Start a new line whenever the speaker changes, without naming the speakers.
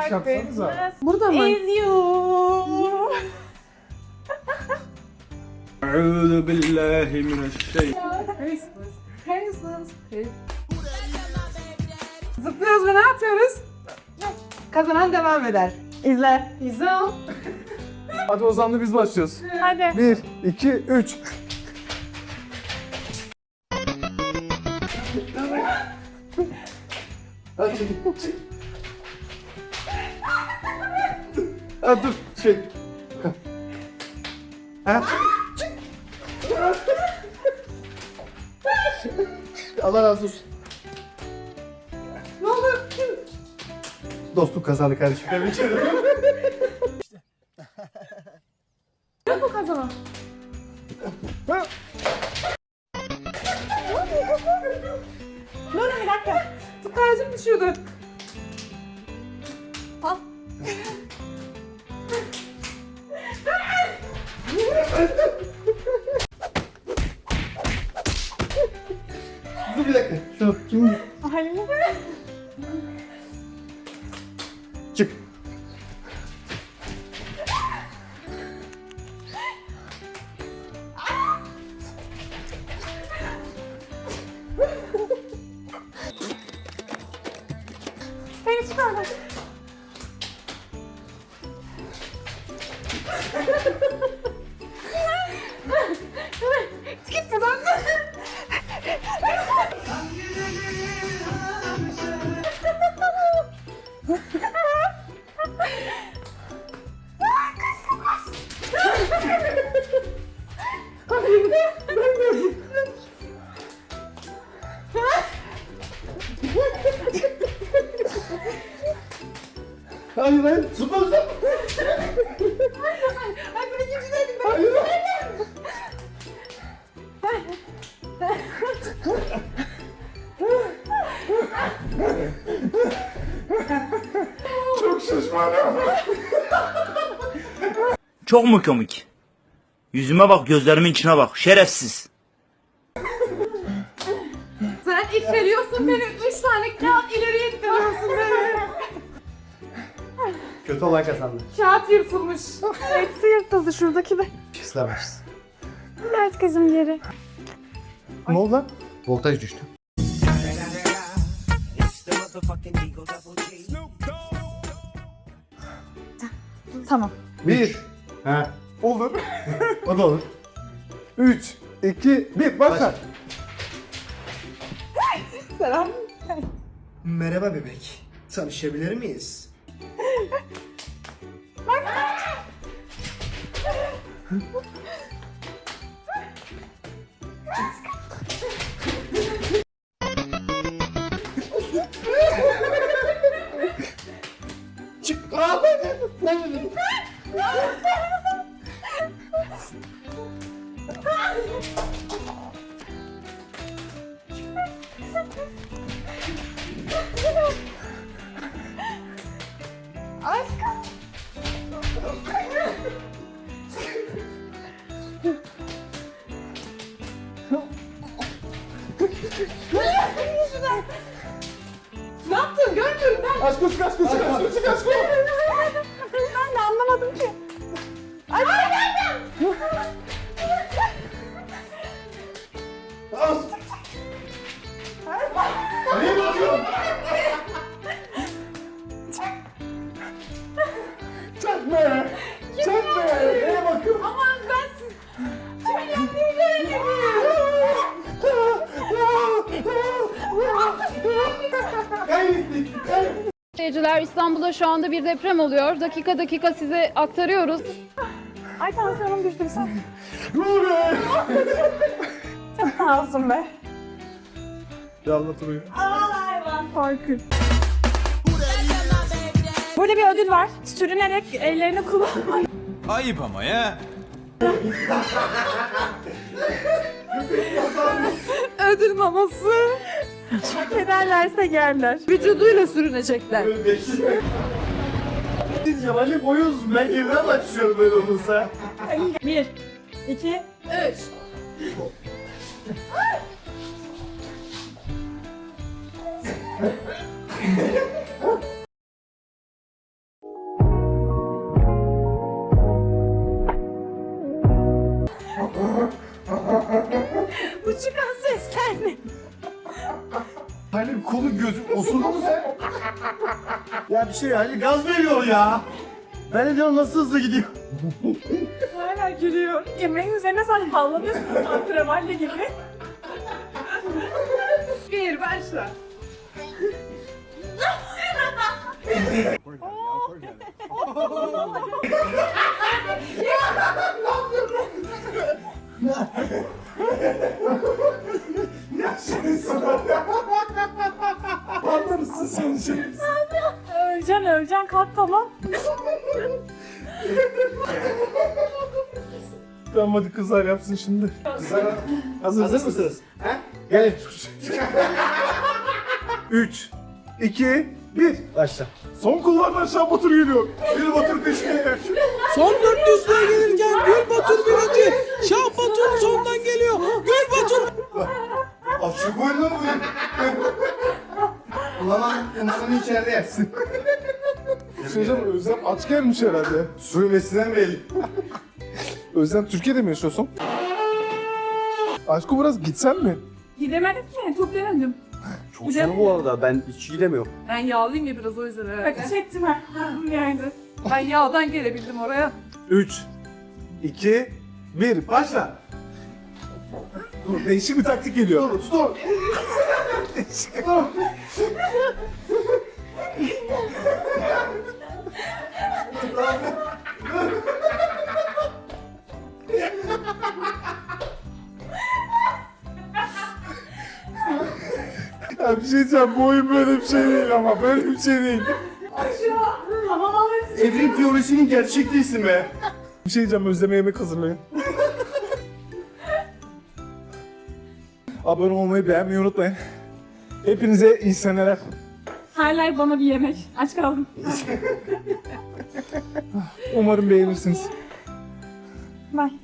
yapsanıza.
Burada mı?
Is you.
Eûzü billahi mineşşeytanirracim.
Zıplıyoruz ve ne yapıyoruz? Kazanan devam eder.
İzle.
İzle o.
Hadi Ozan'la biz başlıyoruz.
Hadi.
1, 2, 3. Hadi çek. Ha dur çek. Ha? Allah razı olsun.
Ne oldu?
Dostluk kazandı kardeşim. Tebrik ederim.
Ne bu kazanan?
Dur bir dakika.
Tıkayacım düşüyordu.
Al.
Dur bir dakika. Şu kim?
Ay.
Çık.
Seni çıkardım. Git buradan.
Hayır hayır. Zıpla zıpla.
Ay ben ikincideydim ben.
Hayır. Çok şişmanım.
Çok mu komik? Yüzüme bak, gözlerimin içine bak. Şerefsiz.
Sen ittiriyorsun beni. 3 tane kağıt ileriye ittiriyorsun beni.
Kötü olan kazandı.
Kağıt yırtılmış.
Hepsi yırtıldı şuradaki de.
İstemez.
Evet kızım geri.
Ne oldu lan? Voltaj düştü.
Tamam.
1. Ha. Olur. O da olur. 3, 2, 1. Başla.
Selam.
Merhaba bebek. Tanışabilir miyiz?
Çık. Aa, ben.
Aşkım.
Ne yaptın? Görmüyorum ben.
Aç koş kaç koş kaç koş kaç koş.
Ben de anlamadım ki. Ay geldim.
Aç. Nereye bakıyorsun? Çakma. Çakma. Nereye bakıyorsun?
Aman ben siz... Kimin yaptığını göremedim.
Kaybettik. Kaybettik.
Seyirciler, İstanbul'da şu anda bir deprem oluyor. Dakika dakika size aktarıyoruz.
Ay tansiyonum düştü bir sen.
Dur be.
Sağ olsun be.
Ya anlatılıyor.
Korkunç. Burada bir ödül var. Sürünerek ellerini kullanmak.
Ayıp ama ya.
Ödül maması.
Hak ederlerse yerler.
Vücuduyla sürünecekler.
Diyeceğim Ali boyuz. Ben geriden başlıyorum böyle olursa.
1, 2,
3.
Bu çıkan sesler ne?
Halil kolu gözü osurdu mu sen? Ya bir şey Halil gaz veriyor ya. Ben de diyorum nasıl hızlı gidiyor.
Hala gülüyor. Yemeğin üzerine sen sallanıyorsun antrenmanla gibi.
Bir başla.
Anlarsın sen şimdi.
Öleceksin kalk tamam.
Tamam hadi kızlar yapsın şimdi. Kızlar hazır mısınız?
He?
Gel. 3, 2, 1.
Başla.
Son kulvardan Şah Batur geliyor. Bir Batur peşine.
Son 400'lüğe gelirken Gül Batur birinci. Şah Batur sondan geliyor. Gül Batur.
Açık oyunu mu?
Umarım içeride yersin.
Hocam Özlem aç gelmiş herhalde. Sürmesinden belli. Özlem Türkiye'de mi yaşıyorsun? Aşkım biraz gitsen mi?
Gidemedik ki. Çok denedim.
Çok sonu bu arada ben hiç gidemiyorum.
Ben yağlıyım ya biraz o yüzden herhalde.
Bak çektim ha. Yerde.
Ben yağdan gelebildim oraya.
3, 2, 1. Başla. Dur, değişik bir taktik geliyor. Dur, dur. Değişik. Dur. Ya bir şey diyeceğim, bu oyun böyle bir şey değil ama böyle bir şey değil.
Tamam alırsın.
Evrim teorisinin gerçek değilsin be. Bir şey diyeceğim, Özlem'e yemek hazırlayın. Abone olmayı, beğenmeyi unutmayın. Hepinize iyi seneler.
Hala bana bir yemek. Aç kaldım.
Umarım beğenirsiniz.
Bye.